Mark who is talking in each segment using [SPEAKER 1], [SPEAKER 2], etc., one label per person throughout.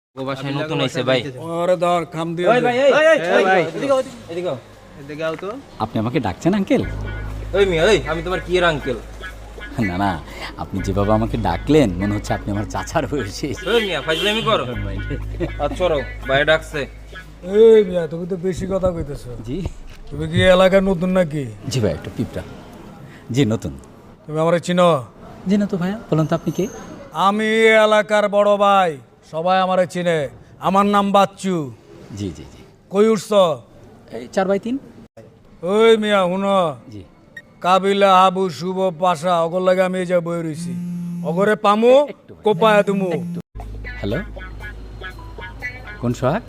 [SPEAKER 1] ও বাসায় নতুন আইছে ভাই।
[SPEAKER 2] ওরে ধর খাম দিয়ে
[SPEAKER 1] ওই ভাই এই ভাই এদিকে এদিকে
[SPEAKER 2] এদিকে আও তো।
[SPEAKER 3] আপনি আমাকে ডাকছেন আঙ্কেল?
[SPEAKER 1] ওই মিয়া এই আমি তোমার কি এর আঙ্কেল?
[SPEAKER 3] না না, আপনি যেভাবে আমাকে ডাকলেন মনে হচ্ছে আপনি আমার চাচার বয়সী।
[SPEAKER 1] ওই মিয়া ফাজলামি করো। আচ্ছা রও ভাই ডাকছে।
[SPEAKER 2] এই মিয়া তুমি তো বেশি কথা কইতেছো।
[SPEAKER 3] জি
[SPEAKER 2] তুমি কি এলাকার নতুন নাকি?
[SPEAKER 3] জি ভাই, একটু পিঁপড়া। জি নতুন।
[SPEAKER 2] তুমি আমারে চিনো?
[SPEAKER 3] জি না তো ভাইয়া, বলুন তো আপনি কে?
[SPEAKER 2] আমি এই এলাকার বড় ভাই, সবাই আমারে চিনে। আমার নাম বাচ্চু।
[SPEAKER 3] জি জি জি,
[SPEAKER 2] কই উঠছ?
[SPEAKER 3] এই 4/3।
[SPEAKER 2] ওই মিয়া হুনো,
[SPEAKER 3] জি
[SPEAKER 2] কাবিলা হাবু শুভ পাশা অগর লাগে আমি এই যে বই রইছি। অগরে পামু কোপায় তুমু।
[SPEAKER 3] হ্যালো, কোন সোহাগ?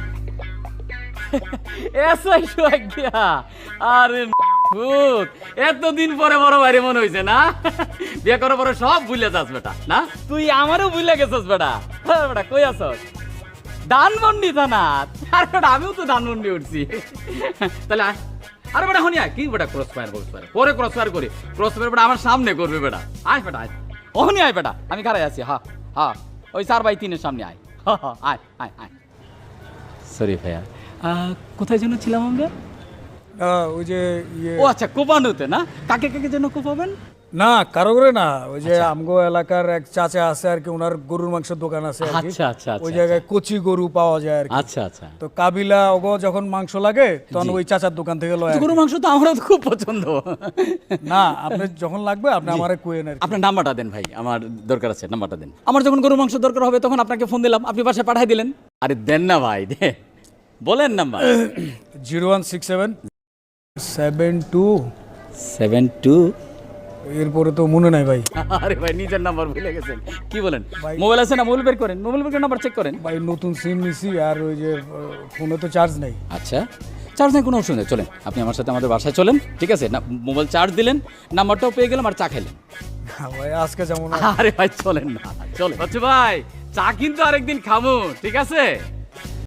[SPEAKER 3] এসআই সোহাগ গিয়া। আরে ভূত, এতদিন পরে বড় বাইরে মনে হইছে না? বিয়ে করার পরে সব ভুলে যাস বেটা, না? তুই আমারও ভুলে গেছস বেটা। হ্যাঁ বেটা, কই আছস? ধানমন্ডি থানা। আর বেটা আমিও তো ধানমন্ডি উঠছি। তাহলে আয়। আরে বেটা হনি আয়, কি বেটা ক্রস ফায়ার পরে ক্রস ফায়ার করি। ক্রস ফায়ার বেটা আমার সামনে করবে বেটা। আয় বেটা আয়। ওহনি আয় বেটা, আমি খাড়াই আছি। হ্যাঁ হ্যাঁ, ওই 4/3 সামনে আয়। আয় আয় আয়। সরি ভাইয়া, কোথায় যেন ছিলাম আমরা?
[SPEAKER 2] ওই যে ইয়ে
[SPEAKER 3] ও আচ্ছা, কোপানোতে না? কাকে কাকে যেন কোপাবেন?
[SPEAKER 2] না কারো করে না, ওই যে আমগো এলাকার এক চাচা আছে আর কি, ওনার গরুর মাংসের দোকান আছে আর কি।
[SPEAKER 3] আচ্ছা আচ্ছা
[SPEAKER 2] ওই
[SPEAKER 3] আচ্ছা
[SPEAKER 2] জায়গায় কচি গরু পাওয়া যায় আর কি।
[SPEAKER 3] আচ্ছা আচ্ছা।
[SPEAKER 2] তো কাবিলা ওগো যখন মাংস লাগে তখন ওই চাচার দোকান থেকে লয় আর কি।
[SPEAKER 3] গরু মাংস তো আমারও তো খুব পছন্দ।
[SPEAKER 2] না আপনি যখন লাগবে আপনি আমারে কইেন আর কি।
[SPEAKER 3] আপনার নাম্বারটা দেন ভাই, আমার দরকার আছে, নাম্বারটা দেন। আমার যখন গরু মাংস দরকার হবে তখন আপনাকে ফোন দিলাম, আপনি বাসায় পাঠিয়ে দিলেন। আরে দেন না ভাই, দে বলেন নাম্বার।
[SPEAKER 2] 0167 72
[SPEAKER 3] 72।
[SPEAKER 2] এরপরে তো মনে নাই ভাই।
[SPEAKER 3] আরে ভাই নিজের নাম্বার ভুলে গেছেন, কি বলেন? মোবাইল আছে না? মোবাইল বের করেন, মোবাইল বের করে নাম্বার চেক করেন।
[SPEAKER 2] ভাই নতুন সিম নিছি আর ওই যে ফোনে তো চার্জ নাই।
[SPEAKER 3] আচ্ছা, চার্জ নেই কোনো অসুবিধা, চলেন আপনি আমার সাথে আমাদের বাসায় চলেন, ঠিক আছে? না মোবাইল চার্জ দিলেন, নাম্বারটাও পেয়ে গেলাম আর চা খেলেন।
[SPEAKER 2] ভাই আজকে যেমন
[SPEAKER 3] আরে ভাই চলেন না, চলে বাচ্চু ভাই, চা কিন্তু আরেকদিন খাবো, ঠিক আছে?